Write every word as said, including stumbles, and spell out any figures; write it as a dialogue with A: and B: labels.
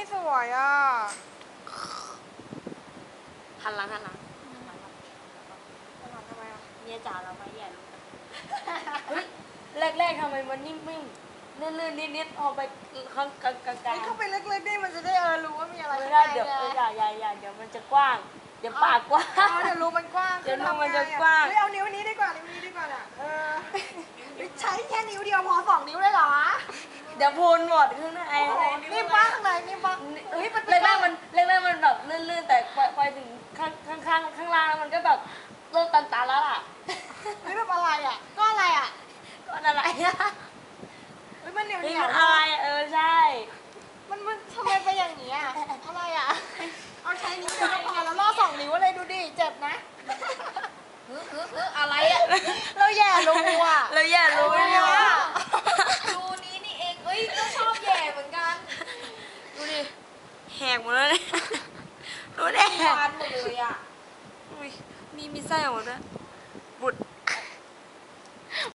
A: สวยอ่ะ
B: หันหลังหันหลัง
A: จะทำทำไมอ่ะ
B: เมียจ๋าเราไม่แย่รู้กันเฮ้ยแรกๆทำไมมันนิ่มๆลื่นๆนิดๆพอไปข้างกลางกลาง
A: เฮ้ยเข้าไปเล็กๆได้มันจะได้เออรู้ว่ามีอะไร
B: ไม่ได้เดี๋ยวอย่าอย่าอย่าเดี๋ยวมันจะกว้างเดี๋ยวปากกว้าง
A: อ๋อเดี๋ยวรูมันกว้าง
B: เดี๋ยวรูมันจะกว้าง
A: เฮ้ยเอานิ้วนี้ดีกว่านิ้วนี้ดีกว่าอ่ะเออใช้แค่นิ้วเดียวพอสองนิ้วเลยเหรอ
B: เดี๋ยวพูนหมดข้างใน
A: นี่บ้างข้างในนี่บ้าง
B: เฮ้ยแรกๆมันแรกๆมันแบบลื่นๆแต่พอถึงข้างข้างข้างข้างล่างแล้วมันก็แบบเริ่มตันๆแล้วล่ะ
A: เฮ้ยแบบอะไรอ่ะก็อะไรอ่ะ
B: ก็อะไรอะ
A: เฮ้ยมันเหนียวเห
B: นี่
A: นีย
B: มั
A: วน
B: อะไรเออใช่
A: มันมันทำไมเป็นอย่างนี้อ่ะอะไรอ่ะเอาใช้นิ้วเดียวก็พอแล้วล่อสองนิ้วเลยดูดิเจ็บนะ
B: เออเออเอออะไรอะ
A: เราแย่รูอ่ะ
B: เราอย่ารู้เนี่ย
C: ดูนี้นี่เองเอ้ยก็ชอบแย่เหมือนกัน
B: ดูดิแหกหมดแล้วเนี่ยดูดิ
C: ฟานหมดเลยอ่ะ
B: อุ้ยมีมีไส้ออกมาด้วย